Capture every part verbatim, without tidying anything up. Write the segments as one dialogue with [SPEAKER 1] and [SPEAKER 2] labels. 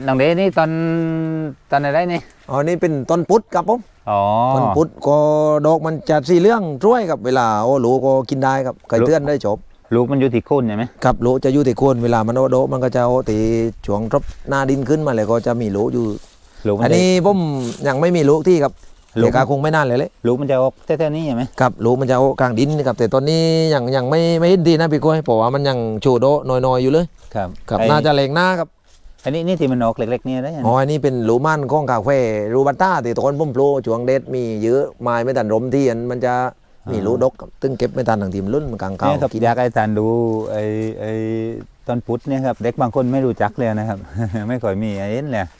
[SPEAKER 1] น้องเดนี่ตอนตอนอะไรนี่
[SPEAKER 2] อ๋อนี่เป็นต้นพุทธครับผม
[SPEAKER 1] อ๋อ
[SPEAKER 2] ต้นพุทธก็ดอกมันจะสีเหลืองช่วยครับเวลาโอ้หลูก็กินได้ครับไก่เตือนได้จบ
[SPEAKER 1] ลูกมันอยู่ที่โคนใช่ไหม
[SPEAKER 2] ครับหลูจะอยู่ที่โคนเวลามันโอโดมันก็จะโอตีช่วงทบหน้าดินขึ้นมาเลยก็จะมีหลูอยู่อันนี้ผมยังไม่มีลูกที่ครับเด็กาคงไม่นานเลยเลย
[SPEAKER 1] ลูกมันจะออกแค่ๆนี้ใช่ไหม
[SPEAKER 2] ครับลูกมันจะออกกลางดินครับแต่ตอนนี้ยังยังไม่ไม่เห็นดีนะพี่ก้อยเพราะว่ามันยังโชว์โดน้อยๆอยู่เลย
[SPEAKER 1] ครับ
[SPEAKER 2] ครับน่าจะแรงหน้าครับ
[SPEAKER 1] อันนี้นี่ที่มันออกเล็กๆนี่ได้ยัง
[SPEAKER 2] อ๋ออันนี้เป็นหลูมันก้องกาแฟรูบัตต้าที่ตอนผมโปรช่วงเด็ดมีเยอะไม้ไม่ตันรมที่มันจะมีลูกดกตึงเก็บไม่ทันทางทีมรุ่นมันกลางเก่า
[SPEAKER 1] กินอยากให้ทานดูไอ้ไอ้ต้นพุทธเนี่ยครับเด็กบางคนไม่รู้จักเลยนะครับ ไม่ค่อยมีไอ้เอ็นเลย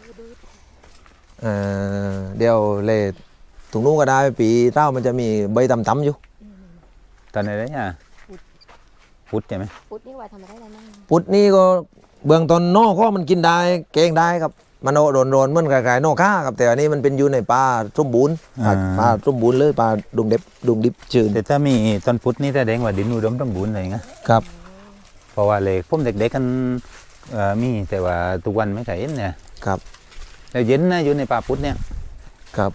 [SPEAKER 2] เดี๋ยวเลยถุงนู้นก็ได้ปีเต้ามันจะมีใบต่ำๆอยู่
[SPEAKER 1] ตอนไหนได้เนี่ยพุทธใช่ไหม
[SPEAKER 3] พุทธนี่ว่าทำอะไรได้บ้าง
[SPEAKER 2] พุทธนี่ก็เบื้องต้นนอกก็มันกินได้เก่งได้ครับมันโดนโดนเหมือนคล้ายๆนอกข้าครับแต่อันนี้มันเป็นอยู่ในป่าส้มบูนป่าส้มบูนเลยป่าดุงเด็บดุงดิบชื้น
[SPEAKER 1] แต่ถ้ามีต้นพุทธนี่แสดงว่าดินอุดมสมบูรณ์เลยนะครับเพราะว่าเลยพุ่มเด็กๆกันมีแต่ว่าทุกวันไม่เคยเห็นเนี่ย
[SPEAKER 2] ครับ
[SPEAKER 1] แล้วเย็นนะอยู่ในป่าพุทธเนี่ย
[SPEAKER 2] ครับ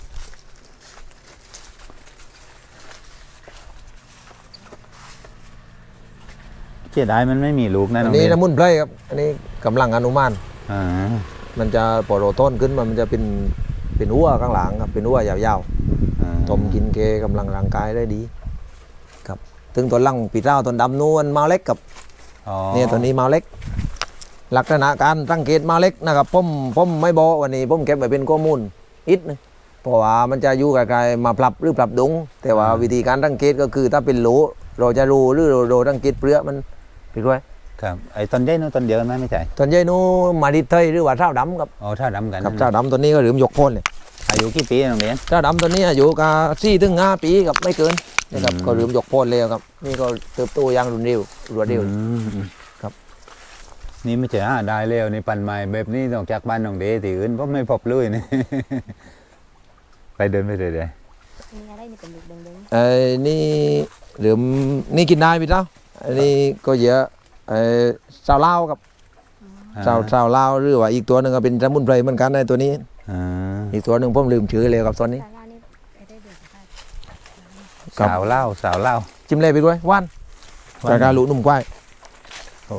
[SPEAKER 1] เจ๊ได้มันไม่มีลูกนะ
[SPEAKER 2] อันนี้น้ำมุนไพรครับอันนี้กำลังอนุมาน
[SPEAKER 1] อ่า
[SPEAKER 2] มันจะปอโรต้นขึ้นมามันจะเป็นเป็นหัวข้างหลังครับเป็นหัวยาวๆต้มกินเกกำลังร่างกายได้ดีครับถึงตัวลังปีเต้าต้นดำนู้นมาเล็กกับเนี่ยตัวนี้มาเล็กลักษณะการสังเกตมาเล็กนะครับผมผมไม่บอกวันนี้ผมเก็บไว้เป็นข้อมูลอิดนึงเพราะว่ามันจะอยู่ไกลๆมาปรับหรือปรับดุงแต่ว่าวิธีการสังเกตก็คือถ้าเป็นโหลเราจะรู้หรือเราเราสังเกตเปลือกมันไปด้วย
[SPEAKER 1] ครับไอ้ต้นใหญ่นู้นต้นเดียวไหมไม่ใช่
[SPEAKER 2] ต้นใหญ่นู้มาดิเทยหรือว่าเท้าดำครับ
[SPEAKER 1] อ๋อเท้าดำกัน
[SPEAKER 2] ครับเท้าดำตัวนี้ก็หลืมยกโคนเลย
[SPEAKER 1] อายุกี่ปีน้องเลี้ยง
[SPEAKER 2] เท้าดำตัวนี้อายุก็สี่ถึงห้าปีครับไม่เกินนะครับก็หลืมยกโคนเลยครับนี่ก็เติบโตอย่างรุนเร็วรวดเร็วครับ
[SPEAKER 1] นี่ไม่ใช่หาได้แล้วในปันไม้แบบนี้นอกจากบ้านน้องเดย์ที่อื่นผมไม่พบเลยนี่ ไปเดินไปเลยเลย
[SPEAKER 3] นี่อะไรนี่เป็นลูกแดง
[SPEAKER 2] ๆไอ้นี่หลืมนี่กินได้พี่เจ้าอันนี้ก็เยอะไอ้สาวเล่ากับสาวสาวเล่าหรือว่าอีกตัวหนึ่งก็เป็นสมุนไพรเหมือนกันในตัวนี้อีกตัวหนึ่งผมลืมชื่อเลยครับตอนนี้
[SPEAKER 1] สาวเล่าสาวเล่า
[SPEAKER 2] จิ้มเลยไปด้วยว่านจากการลุนุ่มควาย
[SPEAKER 1] โอ้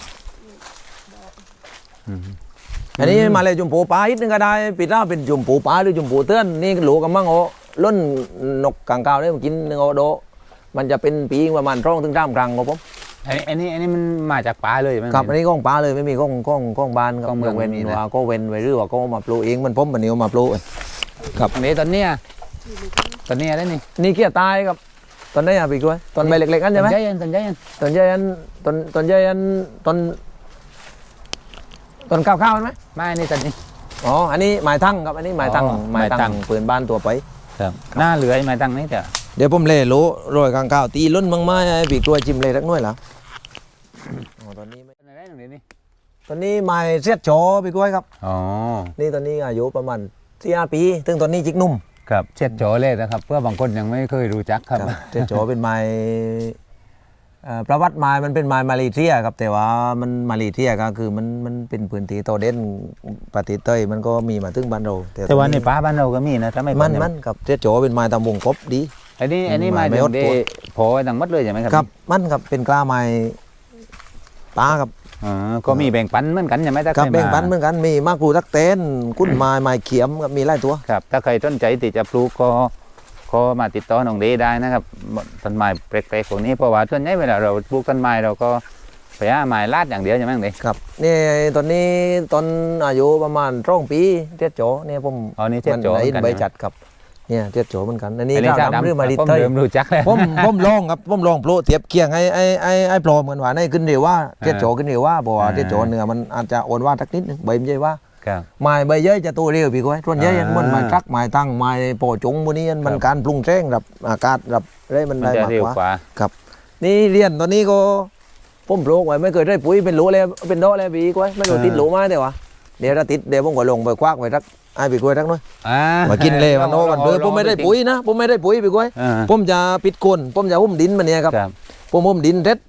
[SPEAKER 2] อันนี้มาเลยจุ่มปูปลาอีกนึงก็ได้ปีหน้าเป็นจุ่มปูปลาหรือจุ่มปูเตือนนี่หลูกำมังโอล้นนกกางเกาได้มากินหนึ่งโอโดมันจะเป็นปีประมาณร่องถึงสามครั้งครับผม
[SPEAKER 1] อันนี้อันนี้อันนี้มันมาจากป่าเลยไหม
[SPEAKER 2] ครับอันนี้ก้องป่าเลยไม่มีก้องก้องก้องบานครับเมืองเว้นว่าก็เว้นไว้หรือว่าก็มาปลูกเองมันผมมันเนียวมาปลูกครับ
[SPEAKER 1] อันนี้ตอนเนี้ยตอนเนี้ยได้นี่
[SPEAKER 2] นี่เกี้ยตายครับตอนนี้อ่ะพี่กล้วยตอนใบเล็กๆนั่นใช่ไหม
[SPEAKER 1] ตอนใหญ่
[SPEAKER 2] ตอนใหญ่ตอนตอนใหญ่ตอนตอนข้าวข้าวไหม
[SPEAKER 1] ไม่นี่ตอนนี้
[SPEAKER 2] อ๋ออันนี้หมายทั้งครับอันนี้หมายทั้งหมายทั้งปืนบ้านตัวไป
[SPEAKER 1] ครับหน้าเหลือหมายทั้งนี่เถอะ
[SPEAKER 2] เดี๋ยวผมเล่โลโรยกางข้าวตีล้นมั่งไม้พี่กล้วยจิ้มเลยสักหน่อยเหรอตอนนี้ไม่
[SPEAKER 1] ได้ตรงนี้นี่
[SPEAKER 2] ตอนนี้ไม้เสียดโฉพี่กล้วยครับ
[SPEAKER 1] อ๋อ
[SPEAKER 2] นี่ตอนนี้อายุประมาณสี่ห้าปีถึงตอนนี้จิกนุ่ม
[SPEAKER 1] ครับเสียดโฉเลยนะครับเพื่อบางคนยังไม่เคยรู้จักครับ
[SPEAKER 2] เสียดโฉเป็นไม้ประวัติไม้มันเป็นไม้มาเลเซียครับแต่ว่ามันมาเลเซียก็คือมันมันเป็นพื้นที่โตเด่นประเทศเต้ยมันก็มีมาถึงบ้านเรา
[SPEAKER 1] แต่ว่าในป่าบ้านเราก็มีนะถ้าไม่
[SPEAKER 2] มันมันครับเสียดโฉเป็นไม้ตำวงกบดี
[SPEAKER 1] อันนี้อันนี้ไม้เดโผล่ดังมัดเลยใช่ไหมครับ
[SPEAKER 2] ครับมันครับเป็นกล้าไม้ป่าครับ
[SPEAKER 1] อ๋อก็มีแบ่งปันเหมือนกันใช่ไหม
[SPEAKER 2] ครับแบ่งปันเหมือนกันมีมากรูตักเต้นกุ้นไม้ไม้เขียมครับมีหลายตัว
[SPEAKER 1] ครับถ้าใครสนใจที่จะปลูกก็ก็มาติดต่อน้องเดได้นะครับต้นไม้แปลกๆพวกนี้เพราะว่าส่วนใหญ่เวลาเราปลูกต้นไม้เราก็ไปหาไม้ลาดอย่างเดียวใช่ไหมน้องเด
[SPEAKER 2] ครับนี่ตอนนี้ตอนอายุประมาณสองปีเทียดโจเนี่ยผม
[SPEAKER 1] อ๋อนี่เทียดโจ
[SPEAKER 2] กันใบจัดครับเนี่ยเทียดโจเหมือนกันอันนี้เจ้าดำหรือมาดิเตย
[SPEAKER 1] ผมรู้จักแล้ว
[SPEAKER 2] ผมผมลองครับผมลองโปรเทียบเคียงไอ้ไอ้ไอ้ไอ้โปรเหมือนว่าในขึ้นเร็วว่าเทียดโจขึ้นเร็วว่าเพราะว่าเทียดโจเนื้อมันอาจจะอ่อนว่าสักนิดนึงใบไม่ใช่ว่าไม้ใบเยอะจะโตเร็วพี่ก้อยส่วนใหญ่มันไม้ทักไม้ตั้งไม้โปจุงพวกนี้มันการปรุงแจ้งรับอากาศรับได้มันได้มากกว่าครับนี่เรียนตอนนี้ก็ผมปลูกไว้ไม่เคยได้ปุ๋ยเป็นหลูเลยเป็นดอกเลยพี่ก้อยไม่รู้ติดหลูมาแต่ว่าเดี๋ยวถ้าติดเดี๋ยวผมก็ลงไปควักไว้สักไอ้พี่ก้อยสักหน่อยมากินเลยมันโน่มันเบื่อผมไม่ได้ปุ๋ยนะผมไม่ได้ปุ๋ยพี่ก้อยผมจะปิดโคนผมจะหุ้มดินมันเนี่ยครับผมหุ้มดินเสร็จ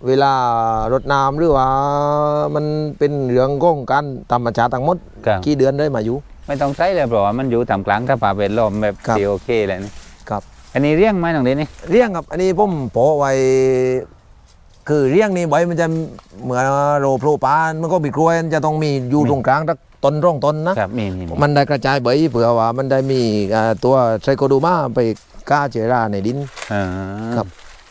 [SPEAKER 2] เวลารดน้ำหรือว่ามันเป็นเรื่องของการธรรมชาติทั้งหมด
[SPEAKER 1] ครับ
[SPEAKER 2] กี่เดือนได้มาอยู่
[SPEAKER 1] ไม่ต้องใช้เลยเพราะว่ามันอยู่ตามกลางสภาพแวดล้อมแบบ
[SPEAKER 2] ครับ
[SPEAKER 1] ที่โอเคเลยนี่
[SPEAKER 2] ครับ
[SPEAKER 1] อันนี้เลี้ยงไหมน้องเดนี่
[SPEAKER 2] เลี้ยงครับอันนี้ผมโปะไว้คือเลี้ยงนี่ใบมันจะเหมือนโรโพรปานมันก็บีกล้วยมันจะต้องมีอยู่ตรงกลางสักต้นร่องต้นนะครับ
[SPEAKER 1] มีมีมี
[SPEAKER 2] มันได้กระจายใบเผื่อว่ามันได้มีอ่าตัวไซโคดูมาไปฆ่าเชื้อราในดิน
[SPEAKER 1] อ่า
[SPEAKER 2] ครับ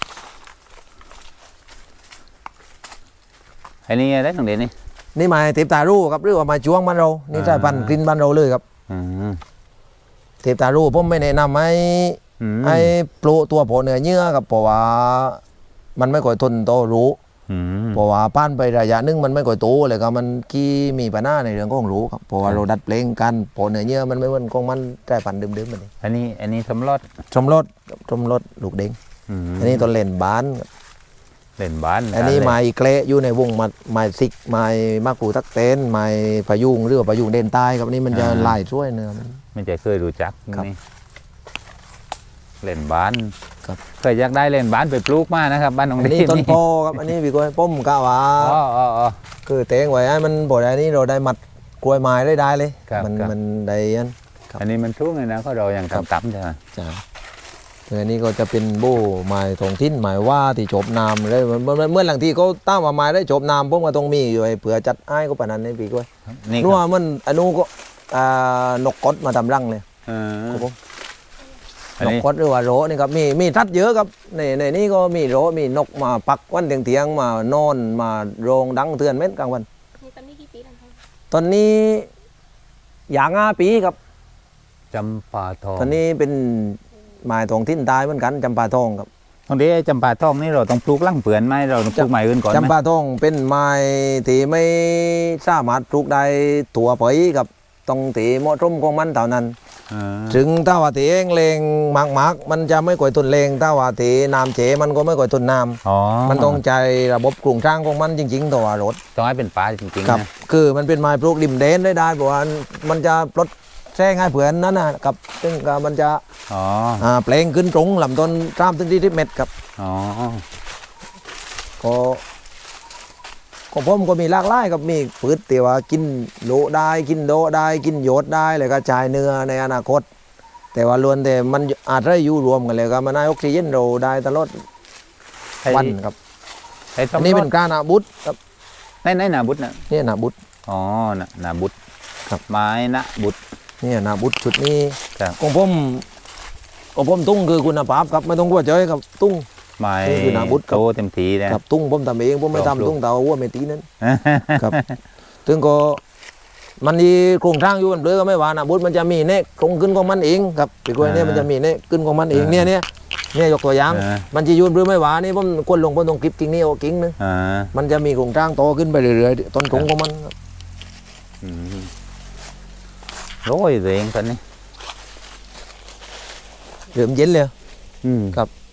[SPEAKER 1] อันนี้อะไรน้องเดนี่
[SPEAKER 2] นี่ไม้เทปตารูครับหรือว่าไม้จ้วงบ้านเรานี่
[SPEAKER 1] อ่า
[SPEAKER 2] ใช่พันธุ์กลิ่นบ้านเราเลยครับ
[SPEAKER 1] อืม
[SPEAKER 2] เทปตารูผมไม่แนะนำให้
[SPEAKER 1] อืม
[SPEAKER 2] ให้ปลูกตัวโผล่เนื้อเยื่อครับเพราะว่ามันไม่ค่อยทนโตรู้
[SPEAKER 1] อืม
[SPEAKER 2] เพราะว่าป้านไประยะหนึงมันไม่ค่อยโตเลยครับมันกี้มีปัญหาในเรื่องของรู้ครับเพราะว่าเราดัดแปลงกันโผล่เนื้อเยื่อมันไม่เหมือนของมันแต่พันธุ์เดิมๆมันเอง
[SPEAKER 1] อันนี้อันนี้สำรอด
[SPEAKER 2] ชมรสชมรสลูกเด้ง
[SPEAKER 1] อืม
[SPEAKER 2] อันนี้ตัวเล่นบ้านครับ
[SPEAKER 1] เล่นบ้าน
[SPEAKER 2] อันนี้
[SPEAKER 1] เลย
[SPEAKER 2] ไม้เกละอยู่ในวงมาไม้ซิกไม้มะกรูดทักเต้นไม้พะยุงหรือว่าพะยุงเด่นใต้ครับอันนี้มันจะลายช่วยเนื้อมัน
[SPEAKER 1] ไม่จะเคยรู้จัก
[SPEAKER 2] ครับ
[SPEAKER 1] นี่เล่นบ้าน
[SPEAKER 2] ครับ
[SPEAKER 1] เคยอยากได้เล่นบ้านไปปลูกมานะครับบ้านน้อง
[SPEAKER 2] อัน
[SPEAKER 1] เด
[SPEAKER 2] นี้ต้นโพครับอันนี้พี่กล้วยป้มกะว่า
[SPEAKER 1] อ๋ออ๋ออ๋อ
[SPEAKER 2] คือเตงไว้ให้มันบ่ได้นี่เราได้มัดกล้วยไม้ได้ได้เลย
[SPEAKER 1] ครับ
[SPEAKER 2] มัน
[SPEAKER 1] ครับ
[SPEAKER 2] มันได้ยัน ครับ
[SPEAKER 1] อันนี้มันทุ่งเลยนะเขาเรายัง
[SPEAKER 2] ครับ
[SPEAKER 1] ต่ำๆใช่ไหม
[SPEAKER 2] จ้าอันนี้ก็จะเป็นโบ้ไม้ทองทิ้นไม้ว่าที่จบน้ำเลยมันมันเมื่อหลังที่เขาตั้งว่าไม้ได้จบน้ำผมก็ต้องมีอยู่ไอ้เผื่อจัดให้ก็ปานนั้นนี่พี่กล้วย
[SPEAKER 1] นี่ค
[SPEAKER 2] นัว
[SPEAKER 1] รับ
[SPEAKER 2] มันอนุก็อ่านกกดมาทำรังเลย
[SPEAKER 1] เออ
[SPEAKER 2] ครับผม
[SPEAKER 1] อัน
[SPEAKER 2] นก
[SPEAKER 1] นี้
[SPEAKER 2] กดหรือว่าโรนี่ครับมีมีทัดเยอะครับในในนี้ก็มีโรมีนกมาปักวันเตียงเตียงๆมานอนมาโรงดังเตือนเม็ดกลางวัน
[SPEAKER 3] นี่ตอนนี้กี่ปีแล้วคะ
[SPEAKER 2] ตอนนี้อย่างห้าปีครับ
[SPEAKER 1] จำปาทอง
[SPEAKER 2] ตอนนี้เป็นไม้ทองทิ้นตายเหมือนกันจำปาทองครับ
[SPEAKER 1] ตรงนี้ไอ้จำปาทองนี่เราต้องปลูกลั่งเปลือนไหมเราต้องปลูกใหม่อื่นก่อนไหม
[SPEAKER 2] จำปาทองเป็นไม้ที่ไม่สามารถปลูกได้ตัวไปกับต้องตีเหมาะสมของมันเท่านั้น
[SPEAKER 1] เออ
[SPEAKER 2] ถึงถ้าว่าตีเองเลงมากมากๆมันจะไม่ก่อยตุนเลงถ้าว่าตีน้ำเจมันก็ไม่ก่อยตุนน้
[SPEAKER 1] อ๋อ
[SPEAKER 2] ำมันต้องใจระบบกลุ่งช่างของมันจริงๆตัวรถ
[SPEAKER 1] ต้องให้เป็นปลาจริง
[SPEAKER 2] ครับ
[SPEAKER 1] ๆนะ
[SPEAKER 2] คือมันเป็นไม้ปลูกริมเดนได้ได้เพราะว่ามันจะปลดแท่ง่ายเผื่อนนั้นนะครับซึ่งก็มันจะ
[SPEAKER 1] อ๋อ
[SPEAKER 2] อ่าเปลงขึ้นตรงลำต้นสามถึงที่สิบเมตรครับ
[SPEAKER 1] อ๋อ
[SPEAKER 2] ก็ก็ผมก็มีหลากหลายครับมีพืชที่ว่ากินโลได้กินโดได้กินโยดได้เลยก็จ่ายเนื้อในอนาคต แต่ว่าล้วนแต่มันอาจจะอยู่รวมกันเลยครับมันให้ออกซิเจนเราได้ตลอด
[SPEAKER 1] ไอ้
[SPEAKER 2] วันครับ
[SPEAKER 1] ไอ้
[SPEAKER 2] อันนี้เป็นการอาบุตครับ
[SPEAKER 1] ในในนาบุตรนะ
[SPEAKER 2] นี่นาบุต
[SPEAKER 1] อ๋อนานาบุตร
[SPEAKER 2] ครับ
[SPEAKER 1] ไม้นะบุตร
[SPEAKER 2] นี่นาบุตชุดนี้
[SPEAKER 1] ครับ
[SPEAKER 2] ของผมของผมตุ้งคือคุณภาพครับไม่ต้องกลัวเจอครับตุ้ง
[SPEAKER 1] ไม้
[SPEAKER 2] นี่คือนาบุตรครับ
[SPEAKER 1] โตเต็มทีเลย
[SPEAKER 2] ครับตุ้งผมทำเองผมไม่
[SPEAKER 1] ปลอมปลูก
[SPEAKER 2] ทำตุ้งแต่ว่าวัวไม่ตีนั้น ครับถึงก็มันมีโครงสร้างอยู่มันเปลือยก็ไม่ว่านะบุตรมันจะมีเนกตรงขึ้นของมันเองครับปีกล้วยเนี่ยมันจะมีเนกขึ้นของมันเองเนี่ยเนี่ยเนี่ยยกตัวอย่าง
[SPEAKER 1] เออ
[SPEAKER 2] มันจะอยืนเปลือยไม่ว่านี่ผมกดลงบนตรงคลิปกิ่งนี้โอากิ่งนึง
[SPEAKER 1] อ่า
[SPEAKER 2] มันจะมีโครงสร้างโตขึ้นไปเรื่อยๆต้นถุงของมันครับ
[SPEAKER 1] อืมโรยตัวเองตอนนี้
[SPEAKER 2] เริ่มเย็นเลย
[SPEAKER 1] อืม
[SPEAKER 2] ครับ